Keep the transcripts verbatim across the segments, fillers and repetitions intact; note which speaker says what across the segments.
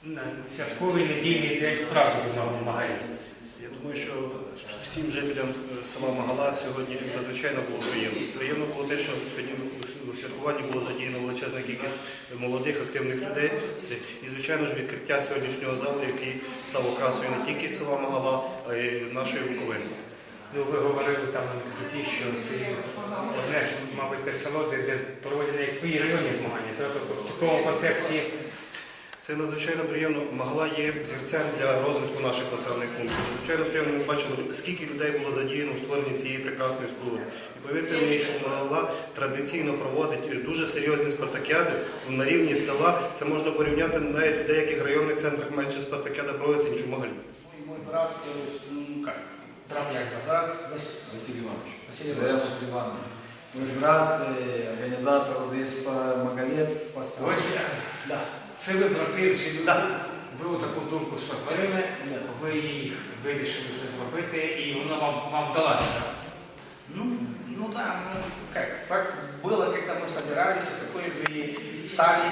Speaker 1: на святковий недільний день справді в Магарі?
Speaker 2: Я думаю, що всім жителям села Магала сьогодні надзвичайно було приємно. Приємно було те, що сьогодні у святкуванні було задіяно величезна кількість молодих, активних людей. Це, і, звичайно ж, відкриття сьогоднішнього залу, який став окрасою не тільки села Магала, а й нашої Буковини.
Speaker 1: Ну, ви говорили там на відкритті, що це одне ж, мабуть, те село, де, де проводять свої районні змагання. Тобто в такому контексті
Speaker 2: це надзвичайно приємно. Магала є зірцем для розвитку наших населених пунктів. Надзвичайно приємно ми бачили, скільки людей було задіяно у створенні цієї прекрасної споруди. І повірте мені, що Магала традиційно проводить дуже серйозні спартакіади на рівні села. Це можна порівняти навіть у деяких районних центрах менше спартакіада проводиться, ніж у Магалі.
Speaker 3: Мой брат, ну как?
Speaker 1: брат як
Speaker 3: Брат
Speaker 4: Василий Иванович.
Speaker 3: Василий
Speaker 4: Василий
Speaker 3: Иванович.
Speaker 4: Василий Иванович. Мой брат, организатор весь по Магале, по спорту.
Speaker 1: Ось,
Speaker 3: Да.
Speaker 1: це ви брати, чи
Speaker 3: Да.
Speaker 1: ви таку думку сотворили,
Speaker 3: Да.
Speaker 1: ви вирішили це зробити, і воно вам, вам вдалося.
Speaker 3: Ну, ну да, ну как, как было, как-то мы собирались, и какой бы и стали,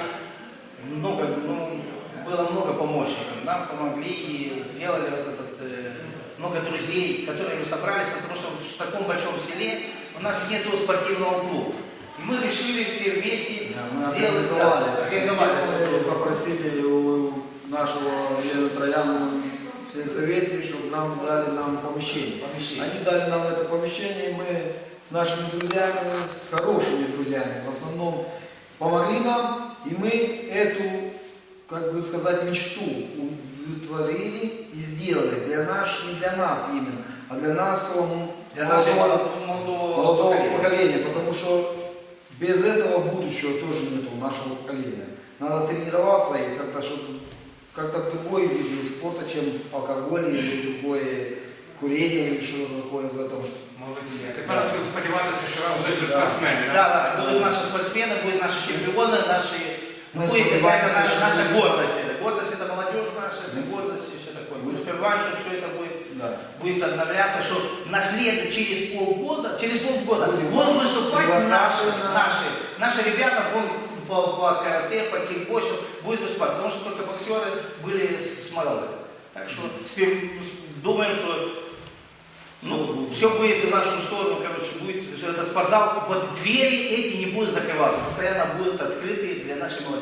Speaker 3: много, ну, было много помощников, нам помогли и сделали вот этот, э, много друзей, которые мы собрались, потому что в таком большом селе у нас нету спортивного клуба. И мы решили все вместе
Speaker 4: Да, мы
Speaker 3: сделать,
Speaker 4: организовали,
Speaker 3: да,
Speaker 4: это
Speaker 3: организовали
Speaker 4: систему,
Speaker 3: это.
Speaker 4: попросили у нашего Елены Трояна в сельсовете, чтобы нам дали нам помещение.
Speaker 3: Помещение.
Speaker 4: Они дали нам это помещение, и мы с нашими друзьями, с хорошими друзьями, в основном помогли нам, и мы эту, как бы сказать, мечту удовлетворили и сделали для нас, не для нас именно, а для нашего
Speaker 3: Для нашего
Speaker 4: молодого,
Speaker 3: молодого,
Speaker 4: молодого
Speaker 3: поколения.
Speaker 4: поколения, потому что без этого будущего тоже нет у нашего поколения. Надо тренироваться и как-то, чтобы как-то другой вид спорта, чем алкоголь или другое курение или что-то такое в этом.
Speaker 1: Молодці. А тепер буду сподіватися, що вам будуть спортсмени.
Speaker 3: Да, да, будут наши спортсмены, будут наши чемпионы, наши,
Speaker 4: Мы
Speaker 3: будет какая-то
Speaker 4: сподеваемся,
Speaker 3: наша,
Speaker 4: что
Speaker 3: наша
Speaker 4: будет.
Speaker 3: гордость. Это гордость это молодежь наша, это гордость и все такое. Мы
Speaker 4: Мы
Speaker 3: сперва, что все это будет,
Speaker 4: Да.
Speaker 3: будет обновляться, что на след через полгода, через полгода
Speaker 4: Будет
Speaker 3: будут
Speaker 4: вас-
Speaker 3: выступать
Speaker 4: вас
Speaker 3: наши,
Speaker 4: на-
Speaker 3: наши, наши ребята по, по, по карате, по кикбоксу будут выступать, потому что только боксеры были с Магалы. Так что спе- думаем, что ну, все будет в нашу сторону, короче, будет, что этот спортзал, вот двери эти не будут закрываться, постоянно будут открыты для нашей молодежи.